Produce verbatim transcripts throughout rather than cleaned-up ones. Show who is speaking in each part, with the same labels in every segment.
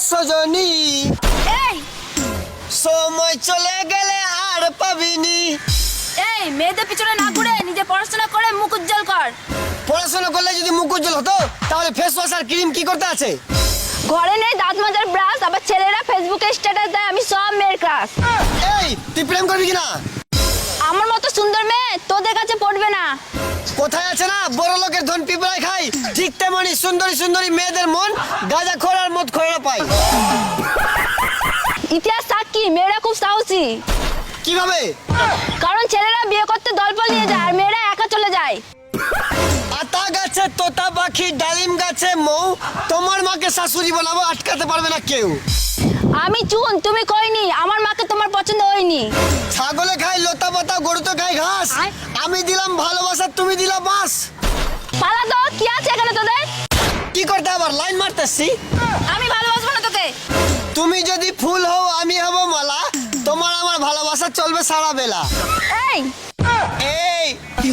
Speaker 1: সজনী
Speaker 2: এই
Speaker 1: সময় চলে গেলে আর পাবিনি।
Speaker 2: এই মেয়েদের পিছনে না ঘুরে নিজে পড়াশোনা করে মুখ উজ্জ্বল কর।
Speaker 1: পড়াশোনা করলে যদি মুখ উজ্জ্বল হতো তাহলে ফেস ওয়াশ আর ক্রিম কি করতে আছে?
Speaker 2: ঘরে নেই দাঁত মাজার ব্রাশ, আবার ছেলেরা ফেসবুকে স্ট্যাটাস দেয় আমি সব মেয়ের ক্রাশ।
Speaker 1: এই তুই প্রেম করবি কিনা?
Speaker 2: আমার মতো সুন্দর মেয়ে তোদের কাছে পড়বে না।
Speaker 1: কোথায় আছে না বড় লোকের ধন পিঁপড়ায় খাই, ঠিক তেমনি সুন্দরী সুন্দরী মেয়েদের মন গাঁজা খোর আর মদ খোরা পাই।
Speaker 2: ইতিহাস সাক্ষী মেয়েরা খুব সাহসী।
Speaker 1: কিভাবে?
Speaker 2: কারণ ছেলেরা বিয়ে করতে দলবল নিয়ে যায় আর মেয়েরা একা চলে যায়।
Speaker 1: আতা গাছে তোতা পাখি, ডালিম গাছে মৌ, তোমার মাকে শাশুড়ি বানাবো, আটকাতে পারবে না কেউ।
Speaker 2: আমি চুন তুমি কইনি, আমার মাকে তোমার পছন্দ হয়নি।
Speaker 1: ছাগলে খাই লতা পাতা, গরু তো খাই ঘাস,
Speaker 2: আয়।
Speaker 1: আমি দিলাম ভালোবাসা তুমি দিলা বাস।
Speaker 2: পালা তো কি আছে এখানে তোদের?
Speaker 1: কি করতে আবার লাইন মারতেছি?
Speaker 2: আমি ভালোবাসবো না তোকে।
Speaker 1: তুমি যদি ফুল হও আমি হব মালা, তোমার আমার ভালোবাসা চলবে সারা বেলা।
Speaker 2: এই
Speaker 1: এই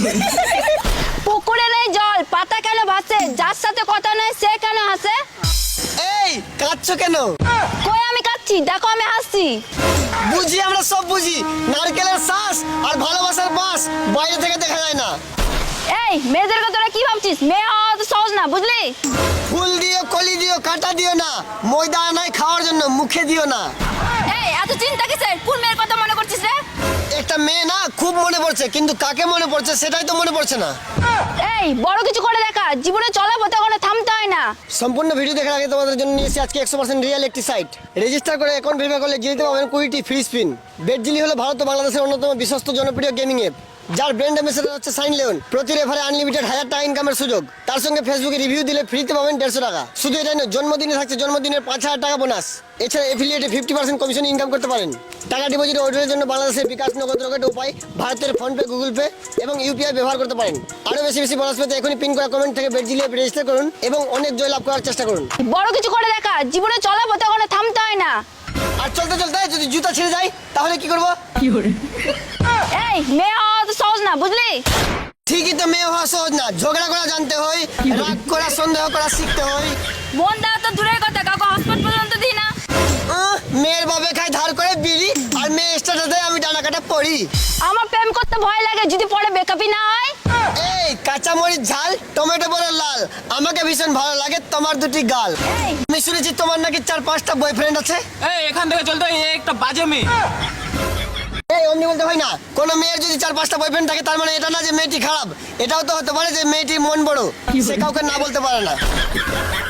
Speaker 2: পুকুরে নেই জল, পাতা কেন ভাসে, যার সাথে কথা নেই সে কেন হাসে?
Speaker 1: এই কাঁদছো কেন?
Speaker 2: কই আমি কাচ্ছি, দেখো আমি হাসছি।
Speaker 1: বুঝি আমরা সব বুঝি, নারকেলের শ্বাস আর ভালোবাসার বাস বাইরে থেকে দেখা যায় না।
Speaker 2: এই মেয়েদেরকে তোরা কি ভাবছিস? মেয়ে হওয়া তো সহজ না, বুঝলি?
Speaker 1: ফুল দিও কলি দিও কাঁটা দিও না, ময়দা নাই খাওয়ার জন্য মুখে দিও না।
Speaker 2: এই এত চিন্তা কিসের? কোন মেয়ের কথা মনে করছিস রে?
Speaker 1: একটা মেয়ে না খুব মনে পড়ছে, কিন্তু কাকে মনে পড়ছে সেটাই তো মনে পড়ছে না।
Speaker 2: এই বড় কিছু করে দেখা, জীবনে চলা পথে কোনো থামতে হয় না।
Speaker 1: সম্পূর্ণ ভিডিও দেখার আগে তোমাদের জন্য নিয়েছি আজকে একশো পার্সেন্ট রিয়েল একটি সাইট। রেজিস্টার করে অ্যাকাউন্ট ভেরিফাই করলে জিতে পাবেন কুড়িটি ফ্রি স্পিন। বেটজিলি হলো ভারত ও বাংলাদেশের অন্যতম বিশ্বস্ত জনপ্রিয় গেমিং অ্যাপ, যার ব্র্যান্ড অ্যাম্বাসেডর হচ্ছে সাইন লিওন। প্রতি রেফারে আনলিমিটেড হাজার টাকা ইনকামের সুযোগ, তার সঙ্গে ফেসবুকে রিভিউ দিলে ফ্রিতে পাবেন দেড়শো টাকা। শুধু এটাই নয়, জন্মদিনে থাকছে জন্মদিনের পাঁচ হাজার টাকা বোনাস। এছাড়া এফিলিয়েটে ফিফটি পার্সেন্ট কমিশন ইনকাম করতে পারেন। টাকা ডিপোজিট ওয়েডের জন্য বাংলাদেশের বিকাশ নগদ রকেট উপায়, ভারতের ফোনপে, গুগল পে এবং ইউপিআই ব্যবহার করতে পারেন। আরও বেশি বেশি বোনাস পেতে এখনই পিন করা কমেন্ট থেকে বেটজিলি অ্যাপ রেজিস্টার করুন এবং অনেক জয় লাভ করার চেষ্টা করুন।
Speaker 2: বড় কিছু করে দেখা, জীবনে চলা পথে কোনো থামতে হয় না।
Speaker 1: আর চলতে চলতে যদি জুতা ছিঁড়ে যায় তাহলে কি করবো?
Speaker 2: এই মেয়ে হওয়া তো সহজ না, বুঝলি?
Speaker 1: ঠিকই তো, মেয়ে হওয়া সহজ না, ঝগড়া করা জানতে হয়, রাগ করা সন্দেহ করা শিখতে হয়।
Speaker 2: মন দেওয়া তো দূরের কথা, কাউকে হসপিটাল পর্যন্ত দিই না।
Speaker 1: আহ, মেয়ের বাবে খাই ধার করে বিড়ি, আর মেয়ে স্টার্টার দেয় আমি ডানা কাটা পড়ি।
Speaker 2: আমার প্রেম করতে ভয় লাগে, যদি পরে বেকআপই না হয়।
Speaker 1: এই কাঁচামরিচ ঝাল, টমেটো বড় লাল, আমাকে ভীষণ ভালো লাগে তোমার দুটি গাল।
Speaker 2: এই
Speaker 1: আমি শুনেছি তোমার নাকি চার পাঁচটা বয়ফ্রেন্ড আছে।
Speaker 3: এই এখান থেকে চলতে হয়, এ একটা বাজে মেয়ে।
Speaker 1: এই অমনি বলতে হয় না, কোনো মেয়ের যদি চার পাঁচটা বয়ফ্রেন্ড থাকে তার মানে এটা না যে মেয়েটি খারাপ, এটাও তো হতে পারে যে মেয়েটি মন বড়, সে কাউকে না বলতে পারে না।